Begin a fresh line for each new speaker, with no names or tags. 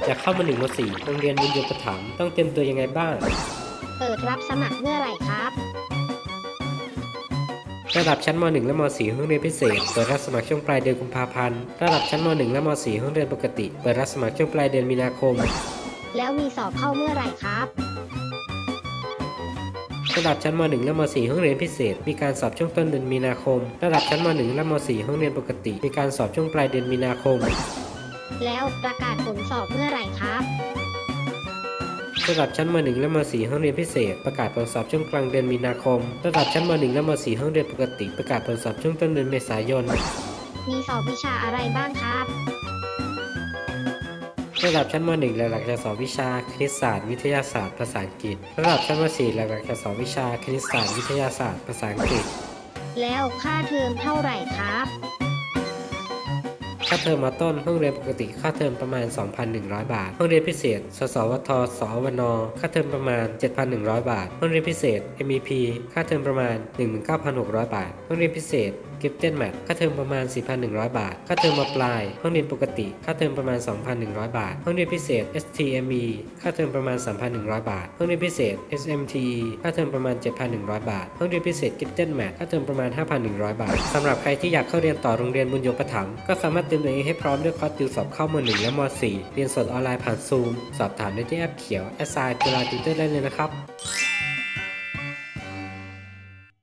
อยากเข้ามา1 ม .4 โรงเรียนบุญโยปถัมภ์ต้องเตรียมตัวยังไงบ้าง
เปิดรับสมัครเมื่อไหร่ครับ
ระดับชั้นม .1 และม .4 ห้องเรียนพิเศษเปิดรับสมัครช่วงปลายเดือนกุมภาพันธ์ระดับชั้นม .1 และม .4 ห้องเรียนปกติเปิดรับสมัครช่วงปลายเดือนมีนาคม
แล้วมีสอบเข้าเมื่อไหร่ครับ
ระดับชั้นม .1 และม .4 ห้องเรียนพิเศษมีการสอบช่วงต้นเดือนมีนาคมระดับชั้นม .1 และม .4 ห้องเรียนปกติมีการสอบช่วงปลายเดือนมีนาคม
แล้วประกาศผลสอบเมื่อไหร่ครับ
ระดับชั้นม .1 และม .4 ห้องเรียนพิเศษประกาศผลสอบช่วงกลางเดือนมีนาคมระดับชั้นม .1 และม .4 ห้องเรียนปกติประกาศผลสอบช่วงต้นเดือนเมษายน
มีสอบวิชาอะไรบ้างครับ
ระดับชั้นม .1 หลักๆจะสอบวิชาคณิตศาสตร์วิทยาศาสตร์ภาษาอังกฤษระดับชั้นม .4 หลักๆจะสอบวิชาคณิตศาสตร์วิทยาศาสตร์ภาษาอังกฤษ
แล้วค่าเทอมเท่าไหร่ครับ
ค่าเทอมมต้นห้องเรียนปกติค่าเทอมประมาณ 2,100 บาทห้องเรียนพิเศษสสวทสวนค่าเทอมประมาณ 7,100 บาทห้องเรียนพิเศษ MEP ค่าเทอมประมาณ 19,600 บาทห้องเรียนพิเศษGifted Math ค่าเทอมประมาณ 4,100 บาทค่าเทอมมปลายห้องเรียนปกติค่าเทอมประมาณ 2,100 บาทห้องเรียนพิเศษ STME ค่าเทอมประมาณ 3,100 บาทห้องเรียนพิเศษ SMTE ค่าเทอมประมาณ 7,100 บาทห้องเรียนพิเศษ Gifted Math ค่าเทอมประมาณ 5,100 บาทสำหรับใครที่อยากเข้าเรียนต่อโรงเรียนบุญโยปถัมภ์ก็สามารถเตรียมตัวเองให้พร้อมด้วยคอร์สติวสอบเข้าม .1 และม .4 เรียนสดออนไลน์ผ่าน Zoom สอบถามได้ที่แอปเขียว Assign จุฬาติวเตอร์ได้เลยนะครับ